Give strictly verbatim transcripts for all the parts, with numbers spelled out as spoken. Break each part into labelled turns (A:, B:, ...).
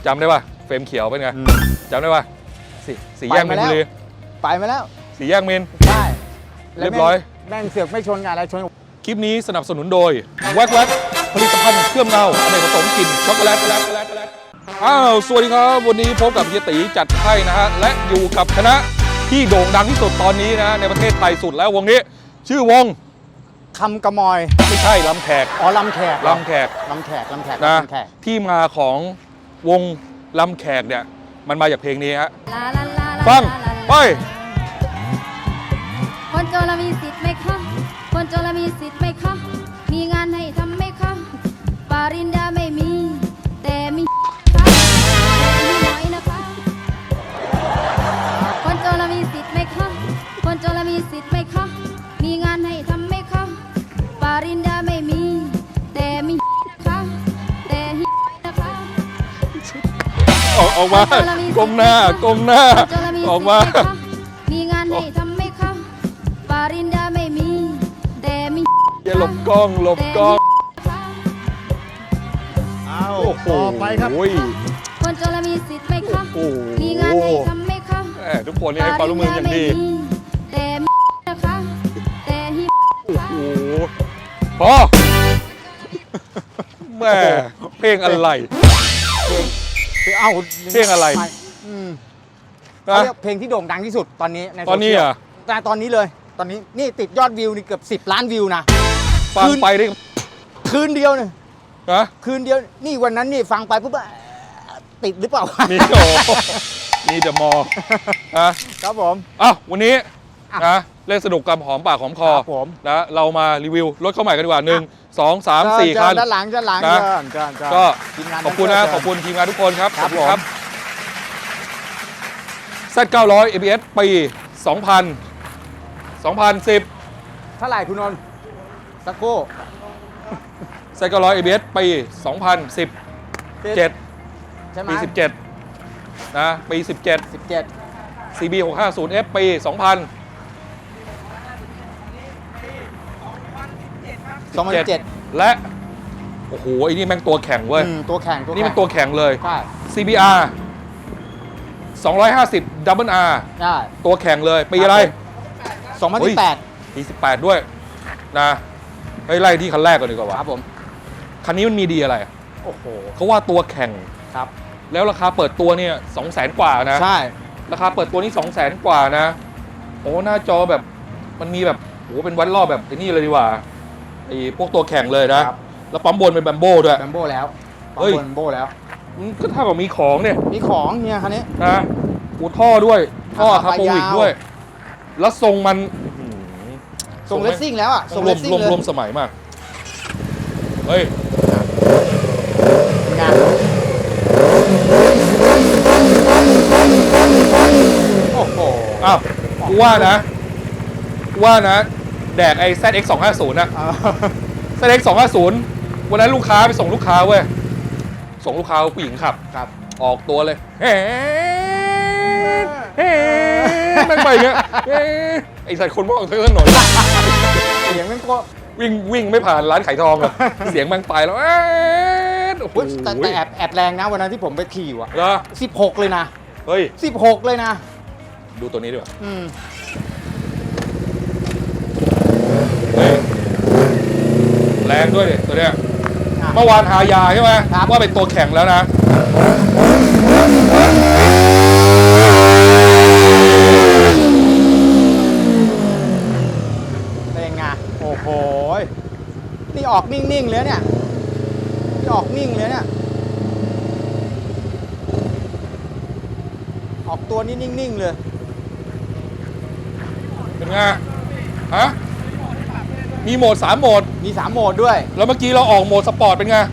A: จำได้ป่ะเฟรมเขียวเป็นไงจำได้ป่ะสีสีแยกมินบุรี
B: ไปมาแล้ว
A: สีแยกมิน
B: ใช่
A: เรียบร้อย
B: แม่งเสือกไม่ชนกันอะไรชน
A: คลิปนี้สนับสนุนโดยแวกแวกผลิตภัณฑ์เครื่องเงาอเนกประสงค์กลิ่นช็อกโกแลตอ้าวสวัสดีครับวันนี้พบกับเฮียตีจัดให้นะฮะและอยู่กับคณะที่โด่งดังที่สุดตอนนี้นะในประเทศไทยสุดแล้ววงนี้ชื่อวง
B: คำกระมอย
A: ไม่ใช่ลำแขก
B: อ๋อลำแขก
A: ลำแขก
B: ลำแขกลำแขก
A: นะที่มาของวงลำแขกเนี่ยมันมาจากเพลงนี้ฮะฟังไป
C: คนจนเรามีสิทธิ์ไหมคะคนจนเรามีสิทธิ์ไหมคะมีงานให้ทำไหมคะปริญญาไม่มีแต่มีค่ะมีน้อยนะคะคนจนเรามีสิทธิ์ไหมคะคนจนเรามีสิทธิ์ไหมคะมีงานให้ทำไหมคะปริญญาไม่มีแต่มีค่ะแต่นะคะ
A: ออกออกมากลมหน้ากลมหน้าออกมา
C: มีงานให้ทำไหมคะปริญญาไม่มีแต่มี
A: อย่าหลบกล้องหลบกล้อง
B: เอาต่อไปครับ
C: คนจนมีสิทธิ์ไหมคะมีงานให้ทำไหมคะ
A: ทุกคนนี่ให้ความร่วมมืออย่างดี
C: แต่มีนะคะแต่ฮิ
A: โอ้โหพอแม่เพลงอะไร
B: เพลงเอ้า
A: เพลงอะไร
B: เขาเรียกเพลงที่โด่งดังที่สุดตอนนี้ใน
A: ตอนนี้อ่ะ
B: แต่ตอนนี้เลยตอนนี้นี่ติดยอดวิวนี่เกือบสิบล้านวิวนะ
A: ฟังไปได้
B: คืนเดียวเนี่ย
A: ฮะ
B: คืนเดียวนี่วันนั้นนี่ฟังไปปุ๊บติดหรือเปล่า
A: มีโอ้มีแต่มอ
B: นะครับผม
A: อ้าววันนี้นะเล่นสนุกกับหอมปากหอมคอนะเรามารีวิวรถเข้าใหม่กันดีกว่าหนึ่งสองสามสี่คัน
B: ด้านหลังด้านหลัง
A: นะก็ขอบคุณนะขอบคุณทีมงานทุกคนครับ
B: ขอบคุณครับ
A: แซด เก้าร้อย เอ บี เอส ปี สองพัน สองพันสิบ
B: เท่าไหร่คุณนนท์สักโก้
A: แซด เก้าร้อย เอ บี เอส ปี สองพันสิบเจ็ด
B: ใช่ไหม
A: ปีสิบเจ็ดนะปีสิบเจ็ด
B: สิบเจ็ด
A: ซี บี หกห้าศูนย์ เอฟ ปี สองพัน
B: สองพันเจ็ด
A: และโอ้โหไอ้นี่แม่งตัวแข่งเว้ย
B: ตัวแข่ง
A: นี่มันตัวแข่งเลย
B: ใช่
A: ซี บี อาร์ สองร้อยห้าสิบ ดับเบิล อาร์
B: ใช่
A: ตัวแข่งเลยปีอะไร
B: สองพันสิบแปด
A: ปีสิบแปดด้วยนะเฮ้ยไล่ที่คันแรกก่อนดีกว่า
B: ครับผม
A: คันนี้มันมีดีอะไร
B: โอ้โห
A: เขาว่าตัวแข่ง
B: ครับ
A: แล้วราคาเปิดตัวเนี่ยสองแสนกว่านะ
B: ใช่
A: ราคาเปิดตัวนี้สองแสนกว่านะโอ้หน้าจอแบบมันมีแบบโอ้เป็นวัดรอบแบบไอ้นี่เลยดีกว่าไอ้พวกตัวแข่งเลยนะแล้วปั๊มบนเป็นแบมโบ้ด้วย
B: แบมโบ้แล้วปั๊มบนแบมโบ้แล้ว
A: ก็เท่ากับมีของเนี่ย
B: มีของเนี่ยคันนี้
A: นะอูท่อด้วยท่อคาร์โบวิกด้วยแล้วทรงมัน
B: ทรงเลสซิ่งแล้วอ่ะ
A: ทรงรวมรวมรวมสมัยมากเฮ้ย
B: งานโอ้โห
A: อ้าวกูว่านะกูว่านะแดกไอ้ แซด เอ็กซ์ สองห้าศูนย์ นะ แซด เอ็กซ์ สองห้าศูนย์ วันนั้นลูกค้าไปส่งลูกค้าเว้ยส่งลูกค้าผู้หญิงขับ
B: ครับ
A: ออกตัวเลยเฮ้เฮ้นั่งไปอย่างเงี้ยไอ้สัตว์คนมองเธอถนน
B: เสียงมันก็
A: วิ่งวิ่งไม่ผ่านร้านขายทองอะเสียงมันไปแล้ว
B: โอ้โหแต่แต่แอบแอบแรงนะวันนั้นที่ผมไปขี่ว่ะ
A: เหรอ
B: สิบหกเลยนะ
A: เฮ้ย
B: สิบหกเลยนะ
A: ดูตัวนี้ดีกว่า
B: อืม
A: แรงด้วยดิตัวเนี้ยเมื่อวานหายาใช่ไหมว่าเป็นตัวแข่งแล้วนะ
B: เป็นไงโอ้โหนี่ออกนิ่งๆเลยเนี่ยนี่ออกนิ่งเลยเนี่ยออกตัวนี่นิ่งๆเลย
A: เป็นไงฮะมีโหมดสามโหมด
B: มีสามโหมดด้วย
A: แล้วเมื่อกี้เราออกโหมดสปอร์ตเป็นไง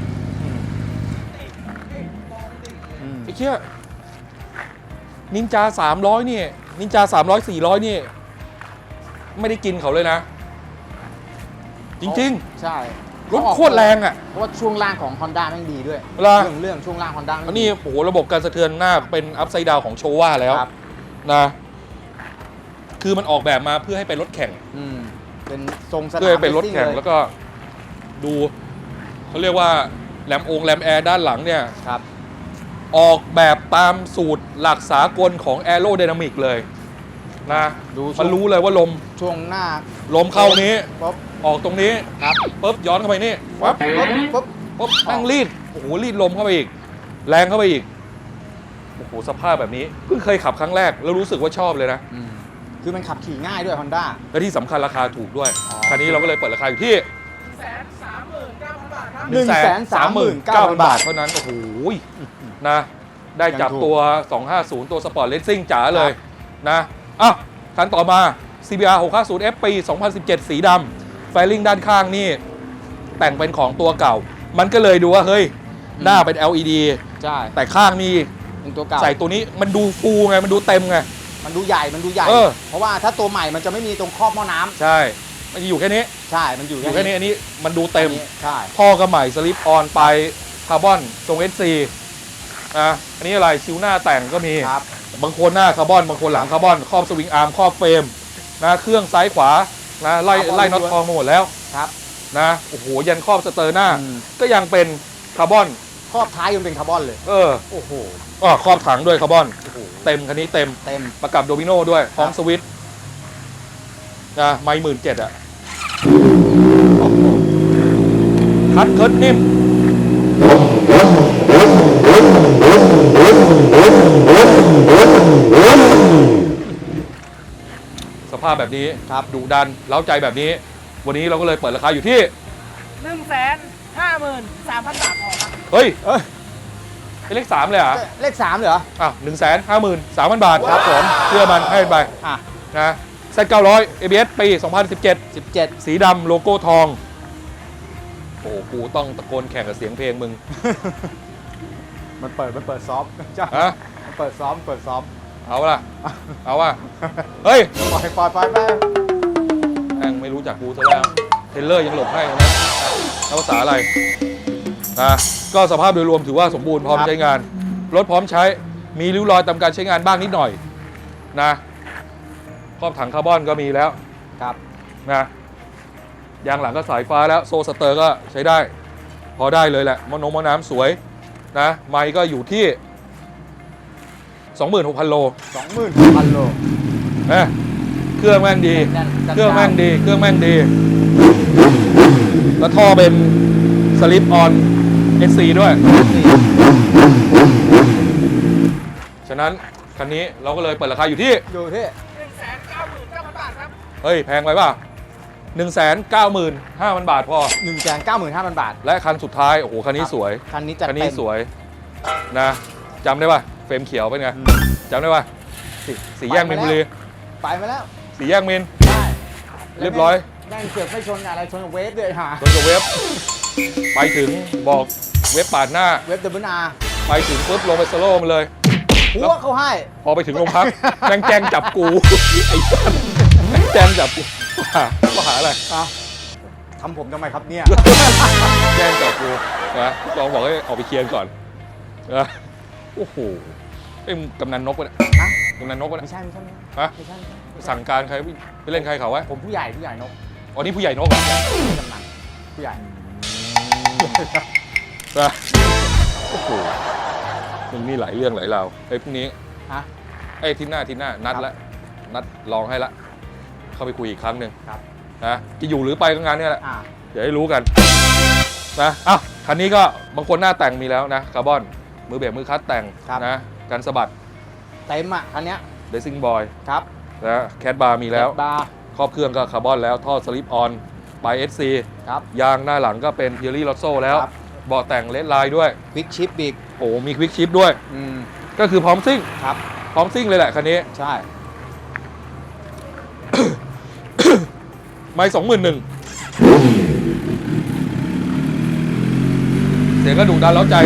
A: ไอ้เชี่ยนินจาสามร้อยนี่นินจาสามร้อย สี่ร้อยนี่ไม่ได้กินเขาเลยนะจริง
B: ๆใช่
A: รถโคตรแรงอ่ะ
B: เพราะว่าช่วงล่างของ Honda แม่งดีด้วย
A: เรื่
B: องเรื่องช่วงล่าง Honda
A: อันนี้โอ้โหระบบการสะเทือนหน้าเป็นอัพไซด์ดาวของโชว่าแล้วนะคือมันออกแบบมาเพื่อให้เป็นรถแข่ง
B: เป็นทรงสนาม
A: เพื่อเป็นรถแข่งแล้วก็ดูเขาเรียกว่าแรมองแรมแอร์ด้านหลังเนี่ย
B: ครับ
A: ออกแบบตามสูตรหลักสากลของ Aerodynamic เลยนะ
B: ดูช่วง
A: มันรู้เลยว่าลม
B: ช่วงหน้า
A: ลมเข้านี้
B: ปุ๊บ
A: ออกตรงนี้
B: ครับ
A: ปุ๊บย้อนเข้าไปนี่
B: ปุ๊บปุ๊บปุ๊บ
A: ปุ๊บแม่งรีดโอ้โหรีดลมเข้าไปอีก แรงเข้าไปอีกโอ้โหสภาพแบบนี้เพิ่งเคยขับครั้งแรกแล้วรู้สึกว่าชอบเลยนะ
B: อืมคือมันขับขี่ง่ายด้วย Honda
A: และที่สำคัญราคาถูกด้วย
B: อ๋อ
A: คันนี้เราก็เลยเปิดราคาอยู่ที่
B: หนึ่งแสนสามหมื่นเก้าพันบาท
A: เท่านั้น โอ้โหนะได้จับ
B: ยังถูก
A: ตัว สองห้าศูนย์ ตัวสปอร์ตเลสซิ่งจ๋าเลยนะอ่ะคันต่อมา ซี บี อาร์ หกห้าศูนย์ เอฟ ปี สองพันสิบเจ็ด สีดำไฟลิ่งด้านข้างนี่ แต่งเป็นของตัวเก่า มันก็เลยดูว่า เฮ้ย หน้าเป็น แอล อี ดี
B: ใช่
A: แต่ข้างนี่
B: เป็นตัวเก่า
A: ใส่ตัวนี้มันดูฟูไง มันดูเต็มไง
B: มันดูใหญ่มันดูใหญ่
A: เออ
B: เพราะว่าถ้าตัวใหม่มันจะไม่มีตรงครอบหม้อน้ำ
A: ใช่ มันจะอยู่แค่นี้
B: ใช่มันอยู่
A: อยู่แค่นี้ อันนี้มันดูเต็ม
B: อันนี้ใช่
A: ท่อก็ใหม่สลิปออนไปคาร์บอนทรง เอส ซี นะอันนี้อะไรชิวหน้าแต่งก็มี
B: ครับ
A: บางคนหน้าคาร์บอน บางคนหลังคาร์บอน ครอบสวิงอาร์ม ครอบเฟรมนะเครื่องซ้ายขวานะไล่
B: คาร์บอน
A: ไล่น็อตทองมาหมดแล้ว
B: ครับ
A: นะโอ้โหยันครอบสเตอร์หน้า
B: อืม
A: ก็ยังเป็นคาร์บอน
B: ครอบท้ายยังเป็นคาร์บอนเลย
A: เออ
B: โอ้โห
A: อ๋อครอบถังด้วยคาร์บอน
B: โอ้โห
A: เต็มคันนี้เต็ม
B: เต็ม
A: ประกับโดมิโนด้วยพร้อม
B: ครับ
A: สวิตช์นะไม่หมื่นเจ็ดอ่ะคัดเคิร์ดนิ่ม สภาพแบบนี้
B: ครับ
A: ดุดันเล้าใจแบบนี้ วันนี้เราก็เลยเปิดราคาอยู่ที่
D: หนึ่งแสนห้าหมื่นสามพันบาทพอครับ
A: เฮ้ย
B: เอ้ย
A: เป็นเลขสามเลยเหรอ
B: เลขสามเลยเหรอ
A: อ่ะหนึ่งแสนห้าหมื่นสามพันบาท
B: ครับผม
A: เชื่อมันให้ไป
B: อ่ะ
A: นะเซตเก้าร้อย เอ บี เอส ปี สองพันสิบเจ็ด
B: สิบเจ็ด
A: สีดำโลโก้ทอง โอ้โหกูต้องตะโกนแข่งกับเสียงเพลงมึง
B: มันเปิดมันเปิดซอฟต์จ้า
A: ฮะ
B: มันเปิดซ้อมเปิดซ้อม
A: เอาล่ะ เอาว่ะ เฮ้ย
B: ปล่อยปล่อยปล่อยไป
A: แม่งไม่รู้จักกูซะแล้ว เทรลเลอร์ยังหลบให้นะแล้วภาษาอะไรนะก็สภาพโดยรวมถือว่าสมบูรณ์พร้อม
B: ครับ
A: ใช้งาน รถพร้อมใช้ มีริ้วรอยตามการใช้งานบ้างนิดหน่อยนะครอบถังคาร์บอนก็มีแล้ว
B: ครับ
A: นะยางหลังก็สายฟ้าแล้วโซ่สเตอร์ก็ใช้ได้ พอได้เลยแหละมอนงมอน้ำสวยนะไมค์ก็อยู่ที่ สองหมื่นหกพัน โล
B: สองหมื่นพันโล
A: นะเครื่องแม่งดี
B: แน่นๆจัด
A: เครื่องแม่ง
B: จ้าน
A: ดี เครื่องแม่งดี แล้วท่อเป็นสลิปออน เอส ซี ด้วย ฉะนั้นคันนี้เราก็เลยเปิดราคาอยู่ที่
B: อยู่ที่
D: หนึ่งแสนเก้าหมื่นเก้าพันบาทครับ
A: เฮ้ย แพงไปป่ะ หนึ่งแสนเก้าหมื่นห้าพัน บาทพอ
B: หนึ่งแสนเก้าหมื่นห้าพันบาท
A: และคันสุดท้าย โอ้โห คันนี้สวย
B: คันนี้จัด
A: คัน
B: เต็
A: นี้
B: ม
A: สวยนะจำได้ป่ะ เฟรมเขียวเป็นไง
B: อืม
A: จำได้ป่ะสีสีแยก
B: ไป
A: มิน
B: มา
A: บุ
B: แล้ว
A: รี
B: ไปมาแล้ว
A: สีแยกมิน
B: ได้
A: เรียบร้อย
B: แม่งเสือกไม่ชนอะไรชนกับเวฟเลยหา
A: ชนกับเว็บ ไปถึงบอกเว็บปาดหน้า
B: เวฟเดบิวนา
A: ไปถึงปุ๊บลงไปสโลว์มาเลย
B: หัวเขาให้
A: พอไปถึงโรงพัก แม่งแจ้งจับกู ไอ้สัสแม่งแจ้งจับกูว่าหาว่าหาอะไร
B: อ่ะทำผมทำไมครับเนี่ย
A: แจ้งจับกูนะลองบอกให้ออกไปเคลียร์ก่อนนะโอ้โหเอ้ยมึงกำนันนกวะเนี่ย
B: ฮะ
A: กำนันนกวะ
B: ไม่
A: เนี่ย
B: ใช่ไม่ใช่ไม่
A: ฮะ
B: ใช่ไม่ใช่ไม่ใช่
A: สั่งการใครไปเล่นใครเขาไว้
B: ผมผู้ใหญ่ผู้ใหญ่นก
A: อ๋อนี่ผู้ใหญ่นกเหรอก
B: ำนันผู้ใหญ่
A: นะโอ้โหมึงนี่หลายเรื่องหลายราวไอ้พรุ่งนี้
B: ฮะ
A: ไอ้ยทีหน้าทีหน้านัด
B: ครับ
A: ละนัดลองให้ละเข้าไปคุยอีกครั้งหนึ่ง
B: ครับ
A: นะจะอยู่หรือไปก็งานเนี่ยแหละ
B: อ่า
A: เดี๋ยวให้รู้กันนะอ้าวคันนี้ก็บางคนหน้าแต่งมีแล้วนะคาร์บอนมือเบรกมือคลัตช์แต่ง
B: ครับ
A: นะกันสะบัด
B: เต็มอ่ะคันเนี้ย
A: เดซิ่งบอย
B: ครับ
A: นะแคทบาร์มีแล้ว
B: บาร์
A: ครอบเครื่องก็คาร์บอนแล้วท่อสลิปออนปลาย เอส ซี
B: ครับ
A: ยางหน้าหลังก็เป็นเทียรี่ลอตโซ่แล้ว
B: ครับ
A: เบาะแต่งเลดไลน์ด้วย
B: ควิกชิปอีก
A: โอ้มีควิกชิปด้วย
B: อืม
A: ก็คือพร้อมซิ่ง
B: ครับ
A: พร้อมซิ่งเลยแหละคันนี้
B: ใช่
A: ไม่สองหมื่นหนึ่งเสียงก็ดุดันเล้าใจ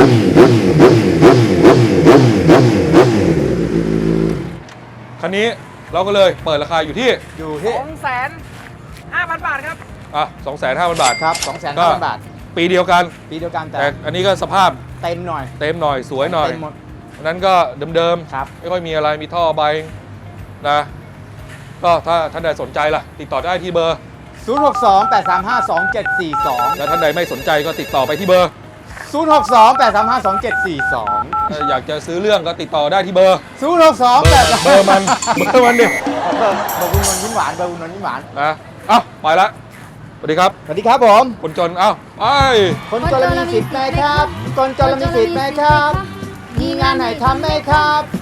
A: คันนี้เราก็เลยเปิดราคาอยู่ที่
B: อยู่
D: ส
B: ที่
D: องแสนห้าพันบาทครับ
A: อ่ะสองแสนห้าพันบาท
B: ครับสองแสนห้าพันบาท
A: ปีเดียวกัน
B: ปีเดียวกันแต่
A: แต่อันนี้ก็สภาพ
B: เต็มหน่อย
A: เต็มหน่อยสวยหน่อย
B: เต็มหมด
A: อันนั้นก็เดิม
B: ครับ
A: ๆ ไม่ค่อยมีอะไรมีท่อใบนะ ก็ถ้าท่านใดสนใจล่ะ ติดต่อได้ที่เบอร์
B: ศูนย์ หก สอง แปด สาม ห้า สอง เจ็ด สี่ สอง
A: และท่านใดไม่สนใจก็ติดต่อไปที่เบอร์
B: ศศูนย์หกสองแปดสามห้าสองเจ็ดสี่สอง
A: เอ่ออยากจะซื้อเรื่องก็ติดต่อได้ที่เบอร์
B: ศูนย์หกสอง
A: เบ
B: แป
A: อ
B: ด
A: ร์เบอร์มันเบอร์มันดิ
B: เบอร์เบอร์คุณนนท์ยิ้มหวานเบอร์คุณนนท์ยิ้มหวาน
A: นะเอ้าไปละสวัสดีครับ
B: สวัสดีครับผม
A: คนจนเอ้าไป
B: คนจนมีสิทธิ์ไหมครับ คนจนมีสิทธิ์ไหมครับ มีงานไหนทำไหมครับ